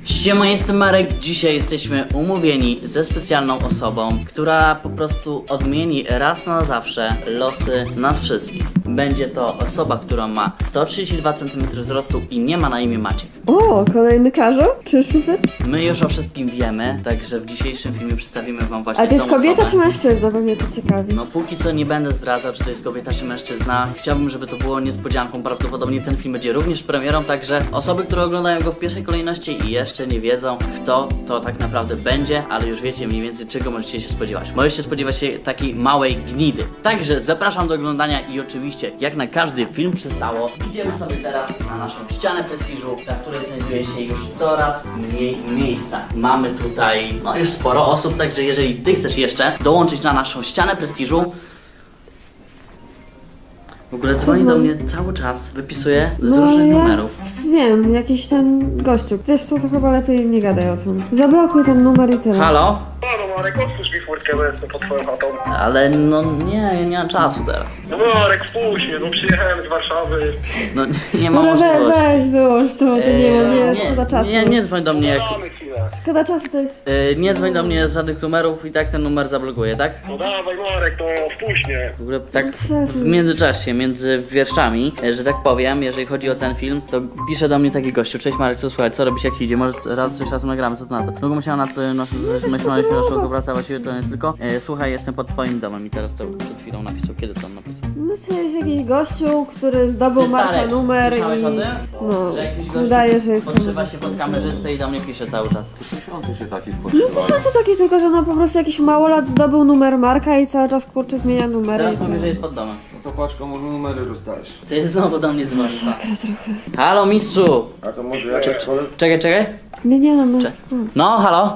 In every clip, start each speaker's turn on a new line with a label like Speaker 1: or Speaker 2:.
Speaker 1: Siema, jestem Marek. Dzisiaj jesteśmy umówieni ze specjalną osobą, która po prostu odmieni raz na zawsze losy nas wszystkich. Będzie to osoba, która ma 132 cm wzrostu i nie ma na imię Maciek.
Speaker 2: O, kolejny Karzeł? Czy Szyfer?
Speaker 1: My już o wszystkim wiemy, także w dzisiejszym filmie przedstawimy wam właśnie
Speaker 2: A to jest
Speaker 1: tą
Speaker 2: kobieta
Speaker 1: osobę.
Speaker 2: czy mężczyzna? Bo mnie to ciekawi.
Speaker 1: No póki co nie będę zdradzał, czy to jest kobieta, czy mężczyzna. Chciałbym, żeby to było niespodzianką. Prawdopodobnie ten film będzie również premierą, także osoby, które oglądają go w pierwszej kolejności i jeszcze nie wiedzą, kto to tak naprawdę będzie, ale już wiecie mniej więcej, czego możecie się spodziewać. Możecie spodziewać się takiej małej gnidy. Także zapraszam do oglądania i oczywiście, jak na każdy film przystało, idziemy sobie teraz na naszą ścianę prestiżu, na której znajduje się już coraz mniej miejsca. Mamy tutaj, no już sporo osób, także jeżeli ty chcesz jeszcze dołączyć na naszą ścianę prestiżu, w ogóle dzwoni do mnie cały czas, wypisuje z różnych numerów.
Speaker 2: Wiem, jakiś ten gościu. Wiesz co, to chyba lepiej nie gadaj o tym. Zablokuj ten numer i tyle.
Speaker 1: Halo?
Speaker 3: No Marek, otwórz mi furtkę, bo jestem pod twoją chatą.
Speaker 1: Ale no nie mam czasu teraz.
Speaker 3: No Marek, wpuść mnie, no przyjechałem z Warszawy.
Speaker 1: No nie ma
Speaker 2: Dobra,
Speaker 1: możliwości.
Speaker 2: weź, wyłącz to, to nie, szkoda czasu.
Speaker 1: nie dzwoń do mnie jak...
Speaker 3: Damy chwilę.
Speaker 2: Szkoda czasu to jest...
Speaker 1: Nie dzwoń do mnie z żadnych numerów i tak ten numer zablokuje, tak?
Speaker 3: No dawaj Marek, no wpuść mnie.
Speaker 1: W ogóle tak
Speaker 2: przestań.
Speaker 1: w międzyczasie, między wierszami, że tak powiem, jeżeli chodzi o ten film, to pisze do mnie taki gościu: cześć Marek, co słychać, co robisz, jak ci idzie, może raz coś razem nagramy, co to na to? Długo myślałem nad tym, myśleliśmy naszą współpracę, właściwie to nie tylko. Słuchaj, jestem pod twoim domem i teraz to przed chwilą napisał, kiedy to on napisał?
Speaker 2: No to jest jakiś gościu, który zdobył
Speaker 1: Ty, stary,
Speaker 2: markę numer
Speaker 1: słyszałeś
Speaker 2: i...
Speaker 1: o tym?
Speaker 2: No,
Speaker 1: Że jakiś gościu
Speaker 2: wydaje, że jest...
Speaker 1: podszywa się pod kamerzystę i do mnie pisze cały czas.
Speaker 4: Tysiące się takich
Speaker 2: No
Speaker 4: podszywa.
Speaker 2: tysiące taki tylko, że no po prostu jakiś małolat zdobył numer Marka i cały czas kurczę zmienia numery.
Speaker 1: Teraz mówi, że jest pod domem.
Speaker 4: No to patrz, komu numery rozdajesz.
Speaker 1: Ty znowu do mnie dzwonisz. Halo mistrzu!
Speaker 4: A to może jakieś
Speaker 1: Czekaj.
Speaker 2: Nie no,
Speaker 1: No, halo?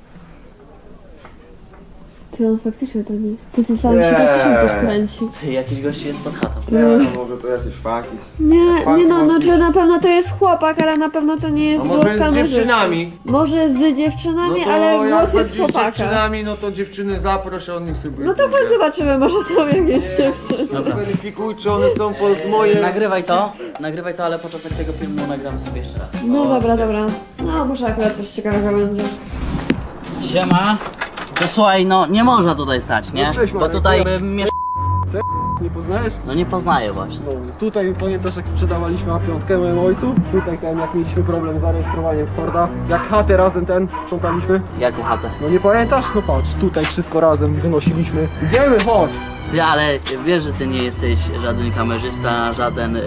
Speaker 2: Czy on faktycznie tam jest? To ten sam się faktycznie też kręci.
Speaker 1: Ty, jakiś gość jest pod chatą.
Speaker 4: Nie, no może to jakieś faki.
Speaker 2: Nie no,
Speaker 4: może
Speaker 2: czy na pewno to jest chłopak, ale na pewno to nie jest
Speaker 4: A
Speaker 2: głos
Speaker 4: może jest z
Speaker 2: kamerzysty.
Speaker 4: dziewczynami?
Speaker 2: Może z dziewczynami,
Speaker 4: No to
Speaker 2: ale
Speaker 4: jak
Speaker 2: głos jest
Speaker 4: będziesz z
Speaker 2: chłopaka.
Speaker 4: dziewczynami, no to dziewczyny zaproś, on niech sobie
Speaker 2: No to chodź zobaczymy, może są jakieś dziewczyny.
Speaker 4: Dobra. Weryfikuj, czy one są pod moje...
Speaker 1: Nagrywaj to, ale początek tego filmu nagramy sobie jeszcze raz.
Speaker 2: No dobra. No może akurat coś ciekawego będzie.
Speaker 1: Siema. To słuchaj, no nie można tutaj stać, nie?
Speaker 4: No cześć,
Speaker 1: Bo
Speaker 4: Marek,
Speaker 1: tutaj
Speaker 4: Nie poznajesz?
Speaker 1: no nie poznaję właśnie.
Speaker 4: No, tutaj pamiętasz jak sprzedawaliśmy A5 mojemu ojcu? Tutaj ten, jak mieliśmy problem z zarejestrowaniem Forda. Jak chatę razem sprzątaliśmy.
Speaker 1: Jaką chatę?
Speaker 4: No nie pamiętasz? No patrz, tutaj wszystko razem wynosiliśmy. Idziemy, chodź!
Speaker 1: Ty, ale wiesz, że ty nie jesteś żaden kamerzysta, żaden...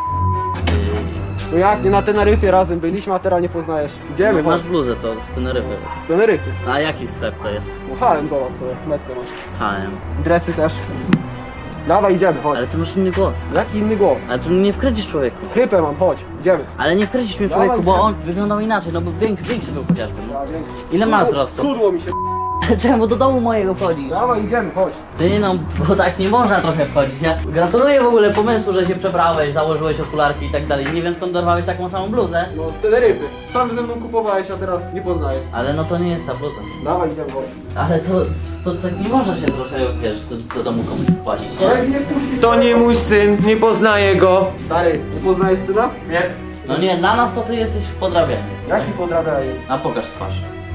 Speaker 4: No jak, nie na Teneryfie razem byliśmy, a teraz nie poznajesz. Idziemy,
Speaker 1: masz
Speaker 4: chodź.
Speaker 1: bluzę to z Teneryfy.
Speaker 4: Z Teneryfy.
Speaker 1: A jaki sklep to jest?
Speaker 4: No Harem, zobacz sobie, metkę masz.
Speaker 1: H&M.
Speaker 4: Dresy też. Dawaj, idziemy, chodź.
Speaker 1: Ale ty masz inny głos.
Speaker 4: Jaki inny głos?
Speaker 1: Ale tu nie wkręcisz człowieku.
Speaker 4: Chrypę mam, chodź, idziemy.
Speaker 1: Ale nie wkręcisz mnie
Speaker 4: Dawaj,
Speaker 1: człowieku, bo
Speaker 4: idziemy.
Speaker 1: on wyglądał inaczej, no bo większy był chociażby. No.
Speaker 4: Ja wiem.
Speaker 1: Ile ma wzrostu?
Speaker 4: Skudło mi się.
Speaker 1: Czemu do domu mojego wchodzisz?
Speaker 4: Dawaj, idziemy, chodź.
Speaker 1: Ty no, bo tak nie można trochę wchodzić, nie? Gratuluję w ogóle pomysłu, że się przebrałeś, założyłeś okularki i tak dalej. Nie wiem skąd dorwałeś taką samą bluzę.
Speaker 4: No z Teneryfy. Sam ze mną kupowałeś, a teraz nie poznajesz.
Speaker 1: Ale no to nie jest ta bluza.
Speaker 4: Dawaj, idziemy, chodź.
Speaker 1: Ale to tak nie można się trochę, wiesz, do domu komuś płacić, nie?
Speaker 4: To nie mój syn, nie poznaję go. Stary, nie poznajesz syna? Nie.
Speaker 1: No nie, dla nas to ty jesteś podrabiany.
Speaker 4: Jaki podrabia jest?
Speaker 1: A pokaż twarz.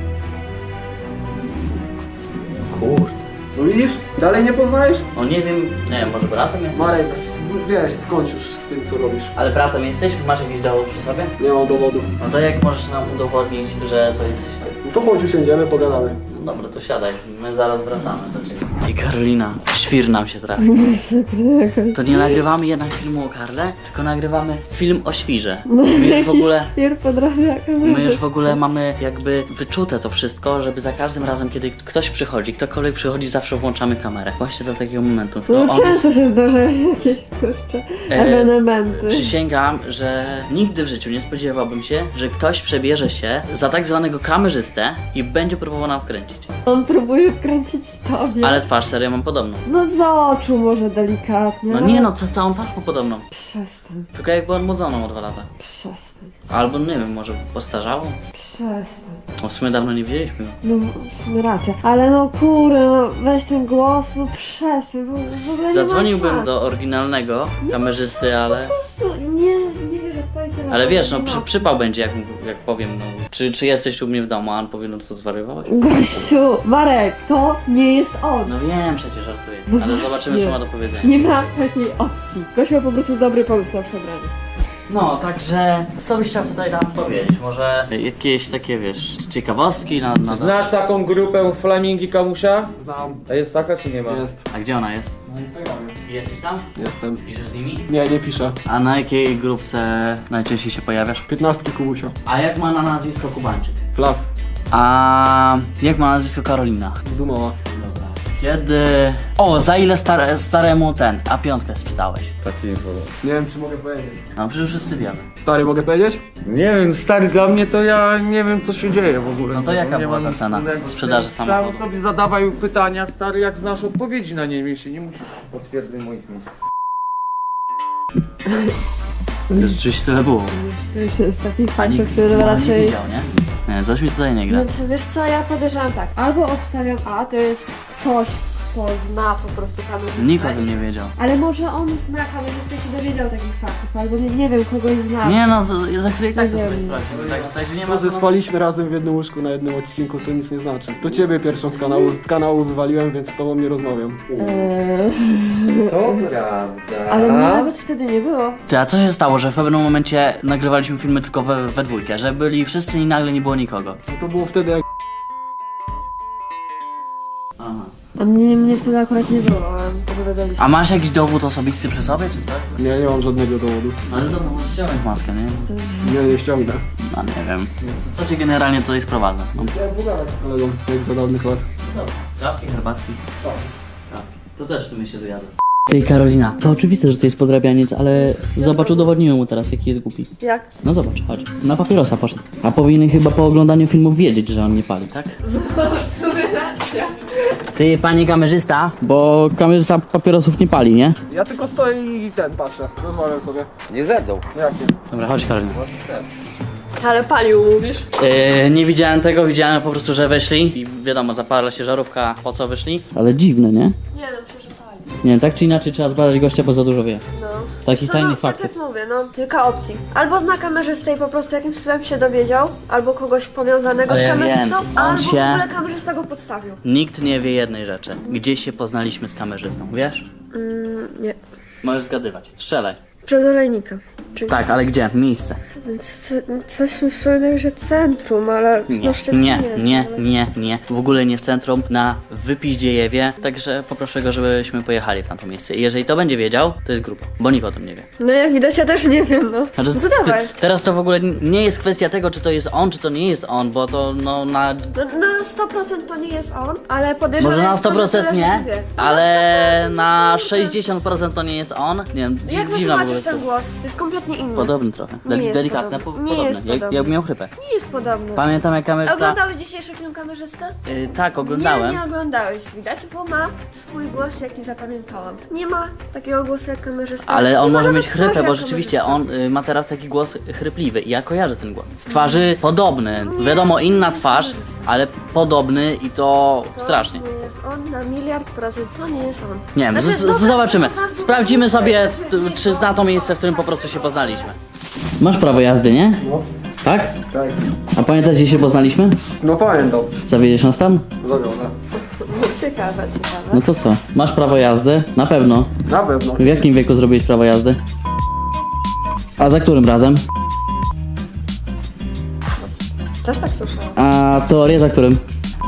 Speaker 1: Kurde.
Speaker 4: No widzisz? Dalej nie poznajesz?
Speaker 1: No nie wiem, nie wiem, może bratem jesteś?
Speaker 4: Marek, wiesz, skończ już z tym co robisz.
Speaker 1: Ale bratem jesteś? Masz jakiś dowód przy sobie?
Speaker 4: Nie mam dowodu.
Speaker 1: No to jak możesz nam udowodnić, że to jesteś ty?
Speaker 4: No to chodź, usiądziemy, pogadamy.
Speaker 1: No dobra, to siadaj, my zaraz wracamy do ciebie. I Karolina, świr nam się trafi. To nie nagrywamy jednak filmu o Karle, tylko nagrywamy film o świrze. My już w ogóle...
Speaker 2: Świr podrabia
Speaker 1: My już w ogóle mamy jakby wyczute to wszystko, żeby za każdym razem, kiedy ktoś przychodzi, ktokolwiek przychodzi, zawsze włączamy kamerę. Właśnie do takiego momentu.
Speaker 2: No
Speaker 1: on
Speaker 2: często się zdarzają jakieś kurcze ewenementy.
Speaker 1: Przysięgam, że nigdy w życiu nie spodziewałbym się, że ktoś przebierze się za tak zwanego kamerzystę i będzie próbował nam wkręcić.
Speaker 2: On próbuje wkręcić tobie.
Speaker 1: Ale twarz serio mam podobną.
Speaker 2: No z oczu może delikatnie.
Speaker 1: No nie no, całą twarz ma podobną.
Speaker 2: Przestań,
Speaker 1: Tylko jakby odmłodzoną o 2 lata.
Speaker 2: przestań,
Speaker 1: Albo nie wiem, może postarzało?
Speaker 2: przestań.
Speaker 1: O, w sumie dawno nie widzieliśmy go.
Speaker 2: No w sumie racja. Ale no kurde, no weź ten głos, no przestań, bo w ogóle nie ma
Speaker 1: Zadzwoniłbym
Speaker 2: szans.
Speaker 1: do oryginalnego kamerzysty, ale...
Speaker 2: Po prostu nie wierzę w to i tyle.
Speaker 1: Ale wiesz, no przypał będzie, jak powiem, no. Czy jesteś u mnie w domu, a on powie, no co zwariowałeś?
Speaker 2: Gościu, Marek, to nie jest on.
Speaker 1: No wiem, przecież żartuję.
Speaker 2: No
Speaker 1: Ale
Speaker 2: właśnie.
Speaker 1: zobaczymy, co ma do powiedzenia.
Speaker 2: Nie ma takiej opcji. Gość ma po prostu dobry pomysł na przebranie.
Speaker 1: No, także co byś chciał tutaj nam powiedzieć? Może jakieś takie, wiesz, ciekawostki na...
Speaker 5: Znasz taką grupę Flamingi Kamusia?
Speaker 4: Znam.
Speaker 5: A jest taka czy nie ma?
Speaker 4: Jest.
Speaker 1: A gdzie ona jest?
Speaker 4: Na Instagramie.
Speaker 1: Jesteś tam?
Speaker 4: Jestem.
Speaker 1: Piszesz z nimi?
Speaker 4: Nie piszę.
Speaker 1: A na jakiej grupce najczęściej się pojawiasz?
Speaker 4: 15 Kubusia.
Speaker 1: A jak ma na nazwisko Kubańczyk?
Speaker 4: Flas.
Speaker 1: A jak ma nazwisko Karolina?
Speaker 4: Dumowa.
Speaker 1: Dobra. Kiedy... O, za ile staremu ten A5 sprzedałeś?
Speaker 5: Taki
Speaker 4: Nie wiem, czy mogę powiedzieć.
Speaker 1: No przecież wszyscy wiemy.
Speaker 4: Stary, mogę powiedzieć?
Speaker 5: Nie wiem, stary, dla mnie to ja nie wiem co się dzieje w ogóle.
Speaker 1: No to jaka
Speaker 5: Nie
Speaker 1: była
Speaker 5: mam
Speaker 1: ta cena
Speaker 5: wspólnego z
Speaker 1: sprzedaży
Speaker 5: tym.
Speaker 1: samochodu?
Speaker 5: Sam sobie zadawaj pytania, stary, jak znasz odpowiedzi na nie, jeśli nie musisz potwierdzać moich myśli.
Speaker 1: Rzeczywiście tyle było.
Speaker 2: To już jest taki
Speaker 1: A
Speaker 2: fakt,
Speaker 1: nikt
Speaker 2: który
Speaker 1: nie
Speaker 2: raczej...
Speaker 1: widział, nie? Nie, coś mi tutaj nie gra.
Speaker 2: Znaczy, wiesz co, ja podejrzewam tak. Albo obstawiam A, to jest ktoś, kto zna po prostu kamerzystę.
Speaker 1: Nikt o tym nie wiedział.
Speaker 2: Ale może on zna kamerzystę i się dowiedział takich faktów, albo nie wiem, kogoś zna.
Speaker 1: Nie no, za chwilę i tak to
Speaker 2: Nie
Speaker 1: sobie
Speaker 2: wiem.
Speaker 1: sprawdzimy. Także nie ma
Speaker 4: To, że
Speaker 1: co...
Speaker 4: spaliśmy razem w jednym łóżku na jednym odcinku, to nic nie znaczy. To ciebie pierwszą z kanału wywaliłem, więc z tobą nie rozmawiam.
Speaker 5: To prawda.
Speaker 2: Ale mnie nawet wtedy nie było.
Speaker 1: Ty, a co się stało, że w pewnym momencie nagrywaliśmy filmy tylko we dwójkę, że byli wszyscy i nagle nie było nikogo?
Speaker 4: No to było wtedy, jak
Speaker 1: Aha.
Speaker 2: A mnie wtedy akurat nie było, opowiadaliśmy.
Speaker 1: A masz jakiś dowód osobisty przy sobie, czy coś?
Speaker 4: nie mam żadnego dowodu.
Speaker 1: Ale dobra, możesz ściągnąć maskę, nie?
Speaker 4: Nie ściągnę.
Speaker 1: No nie wiem. Co cię generalnie tutaj sprowadza? No,
Speaker 4: Chciałem pogadać z kolegą, jak za dawnych lat.
Speaker 1: dobra. Kawki, herbatki. Kawki. To też w sumie się zjadło. Ty, Karolina, to oczywiste, że to jest podrabianiec, ale zobacz, udowodnimy mu teraz, jaki jest głupi.
Speaker 2: Jak?
Speaker 1: No zobacz, chodź. Na papierosa poszedł. A powinien chyba po oglądaniu filmów wiedzieć, że on nie pali, tak? Ty, panie kamerzysta, bo kamerzysta papierosów nie pali, nie?
Speaker 4: Ja tylko stoję i patrzę, rozmawiam sobie.
Speaker 5: Nie zedą.
Speaker 4: Jakie?
Speaker 1: Dobra, chodź, Karolina.
Speaker 2: Ale palił, mówisz?
Speaker 1: Nie widziałem tego, widziałem po prostu, że weszli i wiadomo, zaparła się żarówka, po co wyszli. Ale dziwne, nie?
Speaker 2: Nie no, przecież pali.
Speaker 1: Nie, tak czy inaczej trzeba zbadać gościa, bo za dużo wie.
Speaker 2: No.
Speaker 1: Takich tajnych
Speaker 2: Tak
Speaker 1: faktów.
Speaker 2: jak mówię, no, kilka opcji. Albo zna kamerzystę i po prostu jakimś cudem się dowiedział, albo kogoś powiązanego
Speaker 1: Ale
Speaker 2: z
Speaker 1: ja
Speaker 2: kamerzystą,
Speaker 1: wiem, on
Speaker 2: albo
Speaker 1: się-
Speaker 2: w ogóle kamerzysta go podstawił.
Speaker 1: Nikt nie wie jednej rzeczy. Gdzie się poznaliśmy z kamerzystą, wiesz?
Speaker 2: Nie.
Speaker 1: Możesz zgadywać. Strzelaj.
Speaker 2: Czy do Lejnika. Czy...
Speaker 1: Tak, ale gdzie? Miejsce.
Speaker 2: Coś mi wspomina, że centrum, ale
Speaker 1: Nie,
Speaker 2: no Szczecinie.
Speaker 1: nie. W ogóle nie w centrum, na Wypiździejewie. Także poproszę go, żebyśmy pojechali w tamto miejsce. I jeżeli to będzie wiedział, to jest grupa, bo nikt o tym nie wie.
Speaker 2: No jak widać, ja też nie wiem, no.
Speaker 1: Znaczy,
Speaker 2: No to dawaj.
Speaker 1: teraz to w ogóle nie jest kwestia tego, czy to jest on, czy to nie jest on, bo to no na...
Speaker 2: No, na 100% to nie jest on, ale podejrzewam,
Speaker 1: Może na
Speaker 2: jest to, że
Speaker 1: 100%
Speaker 2: tyle, że
Speaker 1: nie,
Speaker 2: wie.
Speaker 1: ale na
Speaker 2: 100%
Speaker 1: 60% to nie jest on. Nie wiem,
Speaker 2: Jak
Speaker 1: dziwna w ogóle.
Speaker 2: wytłumaczysz ten głos? Jest kompletnie inny.
Speaker 1: Podobny trochę.
Speaker 2: Nie jest
Speaker 1: Delikatne,
Speaker 2: podobny. Nie
Speaker 1: podobne.
Speaker 2: jest podobny.
Speaker 1: Jak miał chrypę.
Speaker 2: Nie jest podobny.
Speaker 1: Pamiętam jak kamerzysta...
Speaker 2: Oglądałeś dzisiejszy film Kamerzysta?
Speaker 1: Tak, oglądałem.
Speaker 2: Nie oglądałeś, widać, bo ma swój głos, jaki zapamiętałam. Nie ma takiego głosu jak kamerzysta.
Speaker 1: Ale on
Speaker 2: Nie ma
Speaker 1: może
Speaker 2: nawet
Speaker 1: mieć chrypę,
Speaker 2: twarzy
Speaker 1: bo
Speaker 2: jak
Speaker 1: rzeczywiście
Speaker 2: kamerzysta.
Speaker 1: on ma teraz taki głos chrypliwy i ja kojarzę ten głos. Z twarzy podobny, wiadomo inna twarz, ale podobny i to strasznie.
Speaker 2: To nie jest on na 1,000,000%, to nie jest on.
Speaker 1: Nie wiem,
Speaker 2: Znaczy,
Speaker 1: zobaczymy.
Speaker 2: no,
Speaker 1: Sprawdzimy sobie, czy zna to miejsce, w którym po prostu się poznaliśmy. Masz prawo jazdy, nie?
Speaker 4: No,
Speaker 1: Tak?
Speaker 4: tak.
Speaker 1: A pamiętasz, gdzie się poznaliśmy?
Speaker 4: No pamiętam.
Speaker 1: Zawiedziesz nas tam?
Speaker 4: Zawiodę.
Speaker 2: Ciekawe.
Speaker 1: No to co? Masz prawo jazdy? Na pewno.
Speaker 4: Na pewno.
Speaker 1: W jakim wieku zrobiłeś prawo jazdy? A za którym razem?
Speaker 2: Też tak słyszałam.
Speaker 1: A teorię za którym?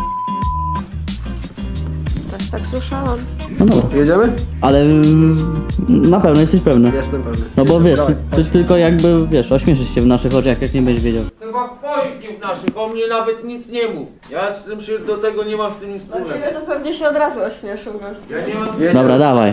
Speaker 2: Też tak słyszałam.
Speaker 1: No dobra.
Speaker 4: Jedziemy?
Speaker 1: Ale na pewno jesteś pewny.
Speaker 4: Jestem pewny.
Speaker 1: No bo wiesz,
Speaker 4: Dawaj.
Speaker 1: ty tylko jakby, wiesz, ośmieszysz się w naszych oczach, jak nie będziesz wiedział.
Speaker 5: Chyba twoich nie w naszych, o mnie nawet nic nie mów. Ja z tym się do tego nie mam z tym nic
Speaker 2: Dla
Speaker 5: wspólnego.
Speaker 2: ciebie to pewnie się od razu ośmieszył gość.
Speaker 5: Ja nie mam...
Speaker 4: Jedziemy.
Speaker 1: Dobra, dawaj.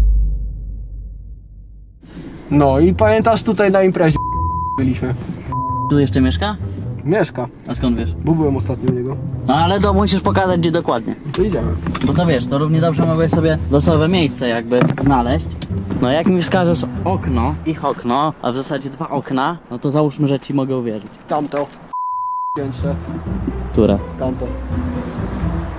Speaker 4: No i pamiętasz, tutaj na imprezie byliśmy.
Speaker 1: Tu jeszcze mieszka?
Speaker 4: Mieszka,
Speaker 1: A skąd wiesz?
Speaker 4: bo byłem ostatnio u niego.
Speaker 1: No ale to musisz pokazać, gdzie dokładnie.
Speaker 4: To idziemy.
Speaker 1: Bo to wiesz, to równie dobrze mogłeś sobie losowe miejsce jakby znaleźć. No jak mi wskażesz okno, ich okno, a w zasadzie dwa okna, no to załóżmy, że ci mogę uwierzyć.
Speaker 4: Tamto. Piętrze.
Speaker 1: Które?
Speaker 4: Tamto.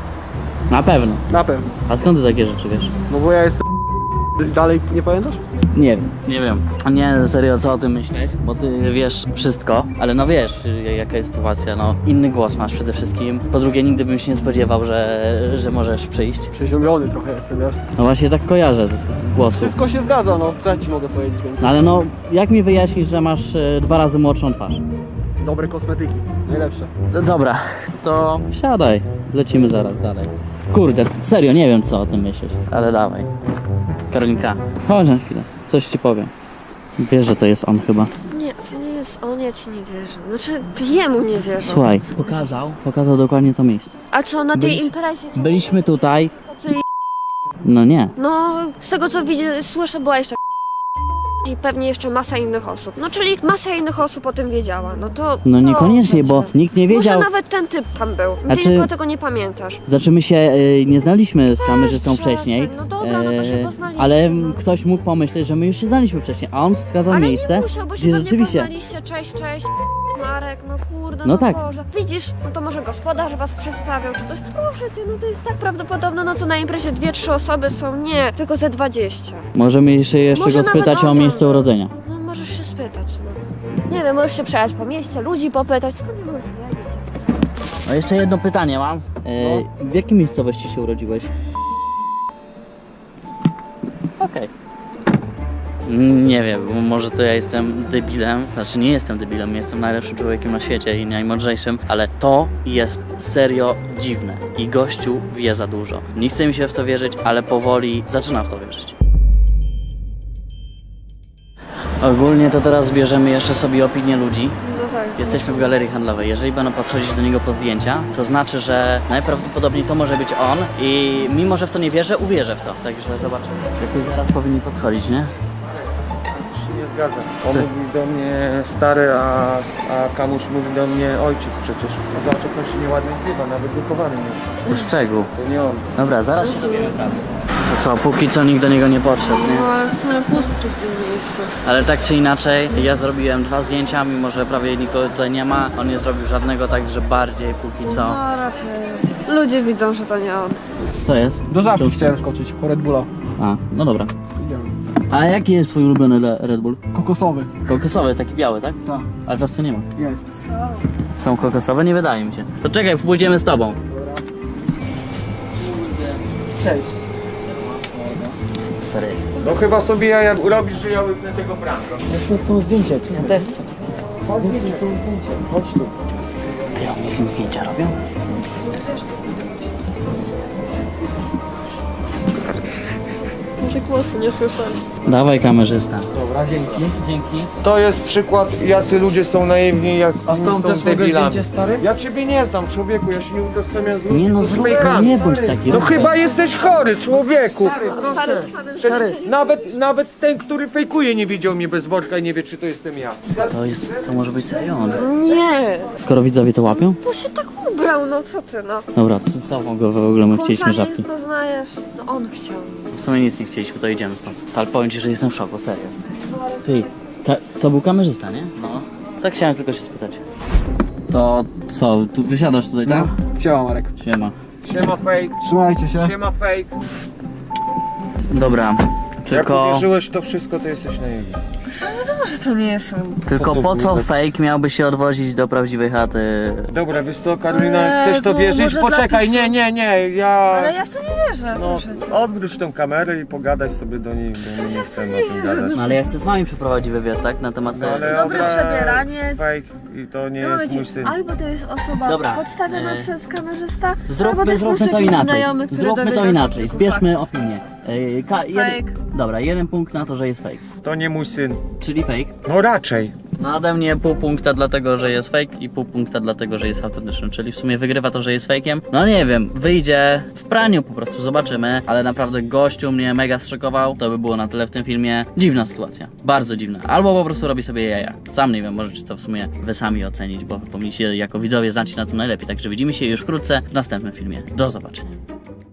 Speaker 1: Na pewno.
Speaker 4: Na pewno.
Speaker 1: A skąd ty takie rzeczy wiesz?
Speaker 4: No bo ja jestem... Dalej nie pamiętasz?
Speaker 1: Nie wiem. Nie, serio, co o tym myśleć, bo ty wiesz wszystko, ale no wiesz, jaka jest sytuacja, no. Inny głos masz przede wszystkim. Po drugie, nigdy bym się nie spodziewał, że możesz przyjść.
Speaker 4: Przeziębiony trochę jestem, wiesz?
Speaker 1: No właśnie tak kojarzę z głosu.
Speaker 4: Wszystko się zgadza, no. Co ja ci mogę powiedzieć więcej?
Speaker 1: Ale no, jak mi wyjaśnisz, że masz 2 razy młodszą twarz?
Speaker 4: Dobre kosmetyki, najlepsze.
Speaker 1: Dobra, to siadaj. Lecimy zaraz dalej. Kurde, serio, nie wiem co o tym myśleć, ale dawaj. Karolinka, chodź na chwilę, coś ci powiem. Wiesz, że to jest on chyba.
Speaker 2: Nie, to nie jest on, ja ci nie wierzę. Znaczy, ty jemu nie wierzę.
Speaker 1: Słuchaj, pokazał dokładnie to miejsce.
Speaker 2: A co, na tej imprezie? Co
Speaker 1: Byliśmy tutaj.
Speaker 2: co i-
Speaker 1: No nie.
Speaker 2: No, z tego co widzę, słyszę, była jeszcze i pewnie jeszcze masa innych osób. No, czyli masa innych osób o tym wiedziała. No to...
Speaker 1: No niekoniecznie, bo
Speaker 2: proszę cię.
Speaker 1: nikt nie wiedział.
Speaker 2: Może nawet ten typ tam był.
Speaker 1: A
Speaker 2: Ty
Speaker 1: czy-
Speaker 2: tylko tego nie pamiętasz.
Speaker 1: Znaczy my się nie znaliśmy z kamerzystą
Speaker 2: przestań.
Speaker 1: wcześniej.
Speaker 2: No dobra, no to się poznaliście,
Speaker 1: ale
Speaker 2: no.
Speaker 1: ktoś mógł pomyśleć, że my już się znaliśmy wcześniej, a on wskazał
Speaker 2: Ale
Speaker 1: miejsce,
Speaker 2: nie musiał, bo się
Speaker 1: gdzie
Speaker 2: pewnie
Speaker 1: rzeczywiście.
Speaker 2: poznaliście. Cześć, Marek, no kurde,
Speaker 1: No
Speaker 2: no
Speaker 1: tak.
Speaker 2: Boże. Widzisz, no to może gospodarz was przedstawiał czy coś. Proszę cię, no to jest tak prawdopodobne, no co na imprezie 2-3 osoby są. Nie, tylko ze 20.
Speaker 1: Możemy się jeszcze
Speaker 2: Może
Speaker 1: go
Speaker 2: nawet
Speaker 1: spytać o
Speaker 2: ona,
Speaker 1: miejsce
Speaker 2: no.
Speaker 1: urodzenia.
Speaker 2: No możesz się spytać, no. Nie wiem, możesz się przejechać po mieście, ludzi popytać. Skąd nie mogę wiedzieć?
Speaker 1: No jeszcze jedno pytanie mam. W jakiej miejscowości się urodziłeś? Okej. Nie wiem, bo może to ja jestem debilem, znaczy nie jestem debilem, jestem najlepszym człowiekiem na świecie i najmądrzejszym, ale to jest serio dziwne i gościu wie za dużo. Nie chce mi się w to wierzyć, ale powoli zaczynam w to wierzyć. Ogólnie to teraz zbierzemy jeszcze sobie opinię ludzi.
Speaker 2: No tak.
Speaker 1: Jesteśmy w galerii handlowej. Jeżeli będą podchodzić do niego po zdjęcia, to znaczy, że najprawdopodobniej to może być on i mimo, że w to nie wierzę, uwierzę w to. Także zobaczymy. Jakoś zaraz powinni podchodzić, nie?
Speaker 6: To się nie zgadza. On
Speaker 1: Co?
Speaker 6: mówi do mnie stary, a Kamuś mówi do mnie ojciec przecież. No zobacz, jak on się nieładnie wzywa, nawet wychowany nie jest.
Speaker 1: To szczegół.
Speaker 6: To nie on.
Speaker 1: Dobra, zaraz się dowiemy prawdy. To co, póki co nikt do niego nie podszedł, nie?
Speaker 2: No ale w sumie pustki w tym miejscu.
Speaker 1: Ale tak czy inaczej, ja zrobiłem 2 zdjęcia, mimo że prawie nikogo tutaj nie ma. On nie zrobił żadnego, także bardziej póki co.
Speaker 2: No raczej. Ludzie widzą, że to nie on.
Speaker 1: Co jest?
Speaker 4: Do żabki chciałem skoczyć, po Red Bulla.
Speaker 1: A, no dobra.
Speaker 4: Idziemy.
Speaker 1: A jaki jest twój ulubiony Red Bull?
Speaker 4: Kokosowy.
Speaker 1: Kokosowy, taki biały, tak?
Speaker 4: Tak,
Speaker 1: Ale czasem nie ma.
Speaker 4: jest.
Speaker 1: Są kokosowe? Nie wydaje mi się. To czekaj, pójdziemy z tobą.
Speaker 4: Cześć.
Speaker 1: Serio.
Speaker 5: No chyba sobie jaja robisz, że ja łyknę tego pranka.
Speaker 4: Jestem z tą zdjęcie.
Speaker 1: Ja też chcę.
Speaker 4: Chodź z tym zdjęcie. Chodź tu.
Speaker 1: Ty, oni z nim zdjęcia robią?
Speaker 2: Może głosu nie słyszeli.
Speaker 1: Dawaj kamerzysta.
Speaker 4: Dobra, dzięki.
Speaker 1: Dzięki.
Speaker 5: To jest przykład, jacy ludzie są naiwni, jak
Speaker 4: A z tą
Speaker 5: są
Speaker 4: też mogę
Speaker 5: debilami.
Speaker 4: zdjęcie, stary?
Speaker 5: Ja ciebie nie znam, człowieku, ja się nie udostępniam z ludźmi,
Speaker 1: Nie no,
Speaker 5: co z
Speaker 1: zrób,
Speaker 5: fejkami.
Speaker 1: nie bądź taki.
Speaker 5: No chyba jesteś chory, człowieku.
Speaker 4: Proszę.
Speaker 5: Przecież nawet ten, który fejkuje, nie widział mnie bez worka i nie wie, czy to jestem ja.
Speaker 1: To może być serio on.
Speaker 2: Nie,
Speaker 1: Skoro widzowie to łapią?
Speaker 2: bo się tak ubrał, no co ty, no.
Speaker 1: Dobra, co w ogóle my chcieliśmy
Speaker 2: Kompanii
Speaker 1: żabki?
Speaker 2: poznajesz. No on chciał.
Speaker 1: W sumie nic nie chcieliśmy, to idziemy stąd. Ale powiem ci, że jestem w szoku, serio. Ty, to był kamerzysta, nie? No. Tak chciałem tylko się spytać. To co, tu wysiadasz tutaj, tak?
Speaker 4: Siema, Marek.
Speaker 1: Siema.
Speaker 5: Siema fake,
Speaker 4: Trzymajcie się.
Speaker 5: siema fake.
Speaker 1: Dobra,
Speaker 5: Jak
Speaker 1: tylko...
Speaker 5: uwierzyłeś w to wszystko, to jesteś naiwny.
Speaker 2: Wiadomo, że to nie jest on.
Speaker 1: Tylko po co fake miałby się odwozić do prawdziwej chaty?
Speaker 5: Dobra, wiesz co, Karolina,
Speaker 2: Eee,
Speaker 5: chcesz to
Speaker 2: bo
Speaker 5: wierzyć?
Speaker 2: może
Speaker 5: Poczekaj,
Speaker 2: dla
Speaker 5: nie, ja...
Speaker 2: Ale ja w to nie wierzę,
Speaker 5: No,
Speaker 2: proszę cię.
Speaker 5: odwróć tę kamerę i pogadać sobie do niej, bo my nie chcemy o tym gadać.
Speaker 1: No ale ja chcę z wami przeprowadzić wywiad, tak? Na temat
Speaker 5: No,
Speaker 1: tego.
Speaker 5: ale
Speaker 2: Dobre
Speaker 5: dobra,
Speaker 2: przebieranie.
Speaker 5: Fake i to nie
Speaker 2: No,
Speaker 5: jest
Speaker 2: wiecie,
Speaker 5: mój syn.
Speaker 2: albo to jest osoba
Speaker 1: Dobra,
Speaker 2: podstawiona przez kamerzysta, albo to
Speaker 1: Zróbmy
Speaker 2: jest po prostu
Speaker 1: to
Speaker 2: jakiś
Speaker 1: inaczej.
Speaker 2: znajomy, który
Speaker 1: Zróbmy to
Speaker 2: dowiedział się
Speaker 1: inaczej.
Speaker 2: kilku
Speaker 1: Zbierzmy opinię.
Speaker 2: Fake.
Speaker 1: Dobra, 1 punkt na to, że jest fake.
Speaker 5: To nie mój syn.
Speaker 1: Czyli fake.
Speaker 5: No raczej.
Speaker 1: No ode mnie pół punkta dlatego, że jest fake i pół punkta dlatego, że jest autentyczny. Czyli w sumie wygrywa to, że jest fake'iem. No nie wiem, wyjdzie w praniu po prostu, zobaczymy. Ale naprawdę gościu mnie mega zszokował. To by było na tyle w tym filmie. Dziwna sytuacja. Bardzo dziwna. Albo po prostu robi sobie jaja. Sam nie wiem, możecie to w sumie wy sami ocenić, bo powinniście jako widzowie znać się na tym najlepiej. Także widzimy się już wkrótce w następnym filmie. Do zobaczenia.